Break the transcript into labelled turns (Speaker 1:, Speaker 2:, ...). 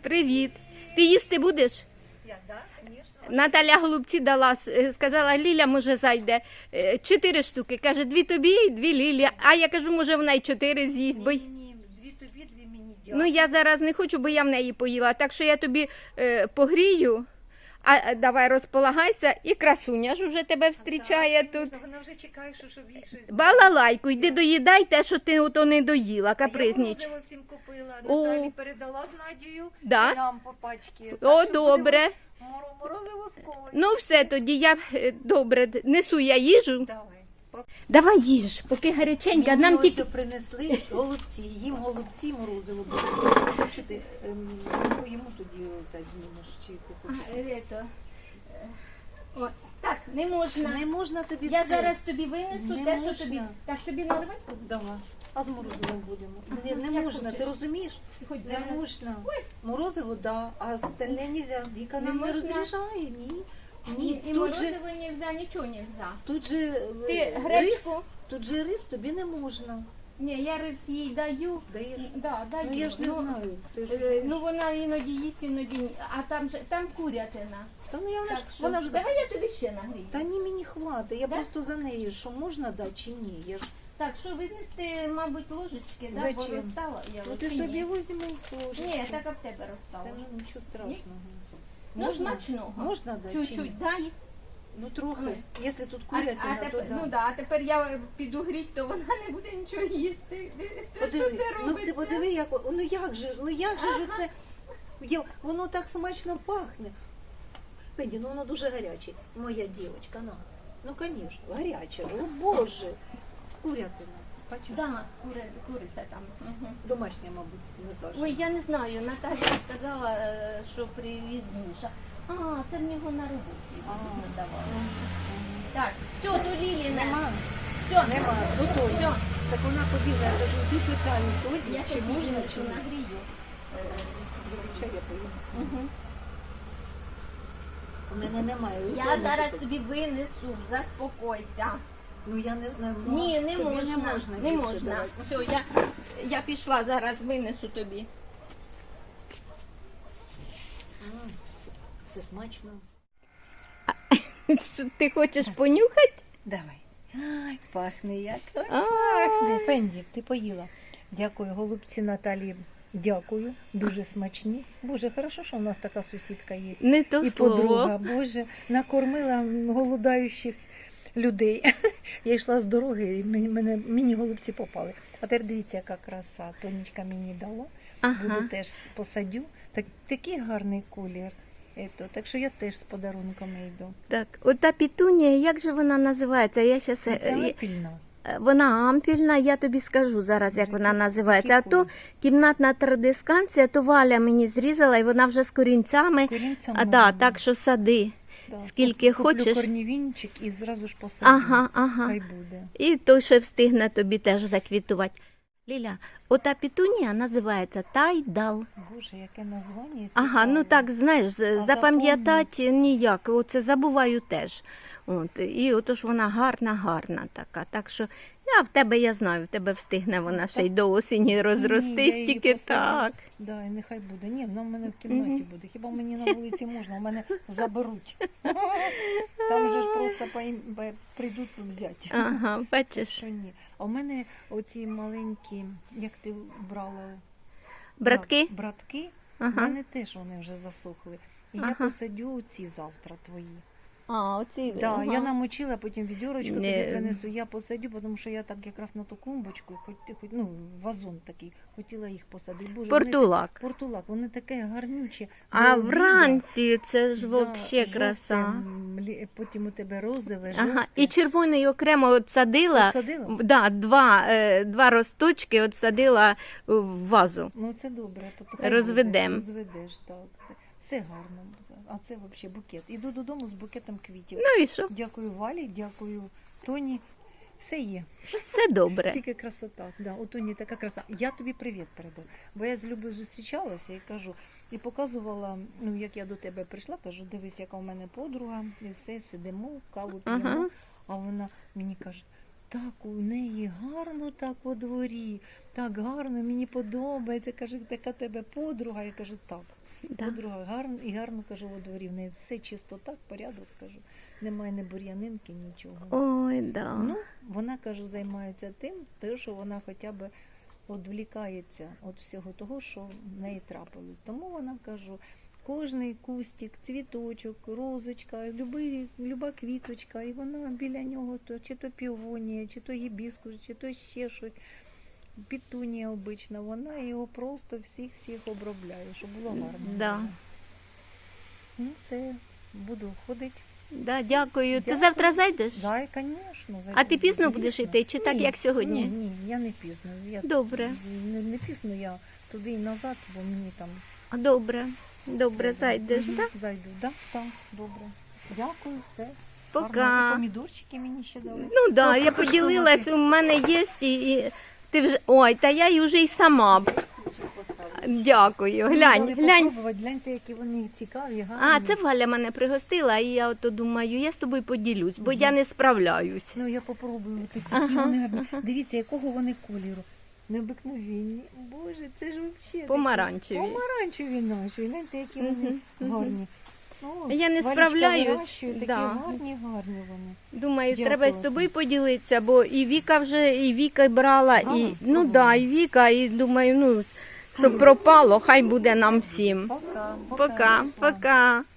Speaker 1: Привіт. Ти їсти будеш?
Speaker 2: Я, да, конечно.
Speaker 1: Наталя голубці дала, сказала, Ліля, може, зайде. 4 штуки. Каже, 2 тобі і 2 Лілі. А я кажу, може, вона й 4 з'їсть. Бо...
Speaker 2: Ні, 2 тобі, 2 мені дякую.
Speaker 1: Ну, я зараз не хочу, бо я в неї поїла. Так що я тобі погрію. А давай розполагайся. І красуня ж уже тебе зустрічає тут.
Speaker 2: Вона вже чекає, щоб їй щось...
Speaker 1: Балалайку, йди доїдай те, що ти ото не доїла, капризніч.
Speaker 2: Я морозиво всім купила,
Speaker 1: О.
Speaker 2: Наталі передала з Надією.
Speaker 1: Да?
Speaker 2: І нам по пачці.
Speaker 1: О,
Speaker 2: Так що
Speaker 1: добре.
Speaker 2: будемо Морозиво з колою.
Speaker 1: Ну, все, тоді я, добре, несу я їжу.
Speaker 2: Давай.
Speaker 1: Давай їж, поки гаряченька.
Speaker 2: Мені
Speaker 1: Нам
Speaker 2: ось
Speaker 1: тільки...
Speaker 2: принесли голубці, їм голубці, морозиво буде. Що ти, йому тоді так знімеш, чи ти хочеш?
Speaker 1: О, так, не можна.
Speaker 2: Не можна тобі
Speaker 1: Я
Speaker 2: це.
Speaker 1: зараз тобі винесу
Speaker 2: Не
Speaker 1: те, що
Speaker 2: можна.
Speaker 1: тобі. Так, тобі наливати?
Speaker 2: Давай. А з морозивом будемо.
Speaker 1: Ага,
Speaker 2: Не
Speaker 1: як
Speaker 2: можна,
Speaker 1: хочеш.
Speaker 2: ти розумієш?
Speaker 1: Хоч
Speaker 2: Не
Speaker 1: зараз.
Speaker 2: можна. Морозиво, да, а стальне нельзя. Віка
Speaker 1: Не
Speaker 2: нам не
Speaker 1: можна?
Speaker 2: розрішає, ні.
Speaker 1: Ні,
Speaker 2: Ні,
Speaker 1: і
Speaker 2: тут же,
Speaker 1: морозиво нельзя, нічого нельзя.
Speaker 2: тут же
Speaker 1: Ти
Speaker 2: рис,
Speaker 1: гречку?
Speaker 2: тут же рис тобі не можна.
Speaker 1: Ні, я рис їй даю.
Speaker 2: Даєш?
Speaker 1: Да, даю.
Speaker 2: Ну я ж не знаю. Ти ж
Speaker 1: Ну вона іноді їсть, іноді ні. А там курятина.
Speaker 2: Та ну я
Speaker 1: Так,
Speaker 2: ж,
Speaker 1: що,
Speaker 2: вона ж...
Speaker 1: давай я тобі ще нагрію.
Speaker 2: Та ні, мені хватить. Я
Speaker 1: Да?
Speaker 2: просто за нею, що можна дати чи ні. Я ж...
Speaker 1: Так, що винести, мабуть, ложечки, да? Бо
Speaker 2: Зачем?
Speaker 1: розстала я.
Speaker 2: Ну
Speaker 1: от,
Speaker 2: ти
Speaker 1: чи
Speaker 2: собі
Speaker 1: ні?
Speaker 2: візьми ложечки.
Speaker 1: Ні, так а в тебе
Speaker 2: Та
Speaker 1: розстала.
Speaker 2: ну нічого страшного.
Speaker 1: Ну, смачного.
Speaker 2: Можна дати? чи ні?
Speaker 1: Чуть-чуть дай.
Speaker 2: Ну трохи.
Speaker 1: Ой.
Speaker 2: Якщо тут
Speaker 1: А
Speaker 2: курятина, то
Speaker 1: тепер,
Speaker 2: да.
Speaker 1: ну да, а тепер я піду гріть, то вона не буде нічого їсти. Це що це
Speaker 2: Ну ти
Speaker 1: робиться?
Speaker 2: подиви, як ну як же ж це воно так смачно пахне. Пенді, ну воно дуже гаряче. Моя дівчинка, на. Ну, звісно, гаряче. О, Боже. Курятина. Бачиш?
Speaker 1: Да, куриця там. Угу.
Speaker 2: Домашня, мабуть, не каже.
Speaker 1: Ой, я не знаю, Наталя сказала, що привіз Міша. А, це в нього на роботі. Давай. Так, все, то Ліліна.
Speaker 2: Нема.
Speaker 1: Все,
Speaker 2: Нема. Готово.
Speaker 1: Все.
Speaker 2: Так вона побігла, я кажу, йди питаю сьогодні,
Speaker 1: Я
Speaker 2: чи
Speaker 1: ще
Speaker 2: можна,
Speaker 1: можна
Speaker 2: чи ні.
Speaker 1: нагрію.
Speaker 2: Чай я поїм.
Speaker 1: Угу.
Speaker 2: У мене немає.
Speaker 1: Я
Speaker 2: Вдома
Speaker 1: зараз
Speaker 2: тут.
Speaker 1: тобі винесу, заспокойся.
Speaker 2: Ну я не знаю. ну,
Speaker 1: Ні, не
Speaker 2: тобі
Speaker 1: можна. Не
Speaker 2: більше
Speaker 1: можна.
Speaker 2: давати.
Speaker 1: Все, я пішла, зараз винесу тобі.
Speaker 2: Все смачно.
Speaker 1: Що, ти хочеш понюхати?
Speaker 2: Давай. Ай, пахне як. Ой,
Speaker 1: А.
Speaker 2: Пахне. Фенді, ти поїла. Дякую, голубці Наталі. Дякую. Дуже смачні. Боже, хорошо, що у нас така сусідка є.
Speaker 1: Не то
Speaker 2: І
Speaker 1: слово.
Speaker 2: подруга. Боже, накормила голодаючих людей. Я йшла з дороги і мені голубці попали. А тепер дивіться, яка краса. Тонечка мені дала.
Speaker 1: Ага.
Speaker 2: Буду теж посадю. Такий гарний колір. Так що я теж з подарунками йду.
Speaker 1: Так, ота пітунія, як же вона називається? Я щас,
Speaker 2: Це ампільна.
Speaker 1: вона ампільна, я тобі скажу зараз, як вона називається. А то
Speaker 2: Прикольно.
Speaker 1: кімнатна традисканція, то Валя мені зрізала, і вона вже з корінцями.
Speaker 2: Корінцями.
Speaker 1: А да, так що сади.
Speaker 2: Да.
Speaker 1: Скільки
Speaker 2: Куплю
Speaker 1: хочеш.
Speaker 2: корнівінчик і зразу ж посадю.
Speaker 1: Ага.
Speaker 2: Хай буде.
Speaker 1: І той ще встигне тобі теж заквітувати. Ліля, ота пітунія називається тайдал.
Speaker 2: Боже, яке названня.
Speaker 1: Ага, ну так, знаєш, запам'ятати ніяк, оце забуваю теж. От, і отож вона гарна така. Так що в тебе, я знаю, в тебе встигне вона ще й до осені розростись, тільки так.
Speaker 2: Да, і нехай буде. Ні, вона в мене в кімнаті буде. Хіба мені на вулиці можна? У мене заберуть. Там же ж просто прийдуть взяти.
Speaker 1: Ага, бачиш.
Speaker 2: Що ні. А у мене оці маленькі, як ти брала?
Speaker 1: Братки?
Speaker 2: Братки,
Speaker 1: Ага.
Speaker 2: в мене теж вони вже засохли. І я посадю ці завтра твої.
Speaker 1: А, оці.
Speaker 2: Да,
Speaker 1: ага.
Speaker 2: я намочила, потім відьорочку тобі
Speaker 1: Не.
Speaker 2: принесу, я посадю, тому що я так якраз на ту клумбочку, вазон такий, хотіла їх посадити. Боже,
Speaker 1: Портулак.
Speaker 2: Портулак, вони таке гарнюче.
Speaker 1: А
Speaker 2: до обіду.
Speaker 1: вранці це ж
Speaker 2: Да,
Speaker 1: взагалі
Speaker 2: жовте,
Speaker 1: краса.
Speaker 2: Потім у тебе розове,
Speaker 1: Ага,
Speaker 2: жовте.
Speaker 1: і червоний окремо от садила.
Speaker 2: Посадила?
Speaker 1: Да, два росточки от садила в вазу.
Speaker 2: Ну це добре, то хай
Speaker 1: Розведем.
Speaker 2: буде, розведеш, так. Все гарно. А це взагалі букет. Іду додому з букетом квітів.
Speaker 1: Ну і що?
Speaker 2: Дякую Валі, дякую Тоні. Все є.
Speaker 1: Все добре.
Speaker 2: Тільки красота. Да, у Тоні така краса. Я тобі привіт передаю. Бо я з Любою зустрічалася і кажу, і показувала, ну як я до тебе прийшла, кажу, дивись, яка у мене подруга, і все, сидимо, каву п'ємо.
Speaker 1: Ага.
Speaker 2: А вона мені каже, так у неї гарно так у дворі, так гарно, мені подобається. Каже, така тебе подруга. Я кажу, так.
Speaker 1: Да.
Speaker 2: Подруга, гарно, і гарно, кажу, у дворі, в неї все чистота, порядок, кажу. Немає ні бур'янинки, нічого.
Speaker 1: Ой, да.
Speaker 2: Ну, вона, кажу, займається тим, що вона хоча б відвлікається від всього того, що в неї трапилось. Тому вона, кажу, кожний кустик, цвіточок, розочка, люба квіточка, і вона біля нього, то, чи то півонія, чи то гібіскус, чи то ще щось, петунія обична, вона його просто всіх обробляє, щоб було гарно.
Speaker 1: Да.
Speaker 2: Ну, все, буду ходити.
Speaker 1: Да, дякую. Ти
Speaker 2: Дякую.
Speaker 1: завтра зайдеш?
Speaker 2: Да, звісно.
Speaker 1: А ти пізно будеш йти, чи так, як сьогодні?
Speaker 2: Ні, я не пізно.
Speaker 1: Добре.
Speaker 2: Не пізно, я туди і назад, бо мені там...
Speaker 1: Добре, зайдеш, так?
Speaker 2: Зайду, так, добре. Дякую, все.
Speaker 1: Пока.
Speaker 2: Гарно. Помідорчики мені ще дали.
Speaker 1: Ну да, я
Speaker 2: покажи,
Speaker 1: поділилась,
Speaker 2: що
Speaker 1: у мене є і ти вже. Ой, та я й уже й сама.
Speaker 2: Ключик поставлю.
Speaker 1: Дякую. Глянь.
Speaker 2: Попробувати, гляньте, які вони цікаві, гарні.
Speaker 1: А, це Валя мене пригостила, і я ото думаю, я з тобою поділюсь, бо я не справляюсь.
Speaker 2: Ну, я попробую, такі вони гарні. Дивіться, якого вони кольору. Необикновенні. Боже, це ж взагалі...
Speaker 1: Помаранчеві.
Speaker 2: Помаранчеві наші. Гляньте, які вони гарні. О,
Speaker 1: Я не
Speaker 2: Валечка
Speaker 1: справляюсь.
Speaker 2: вирощує, такі
Speaker 1: Да.
Speaker 2: гарні вони.
Speaker 1: Думаю,
Speaker 2: Дякую.
Speaker 1: треба з тобою поділитися, бо і Віка брала,
Speaker 2: Брала?
Speaker 1: і ну
Speaker 2: Пробувала.
Speaker 1: да, і Віка, і думаю, ну щоб пропало, хай буде нам всім.
Speaker 2: Пока.
Speaker 1: Пока.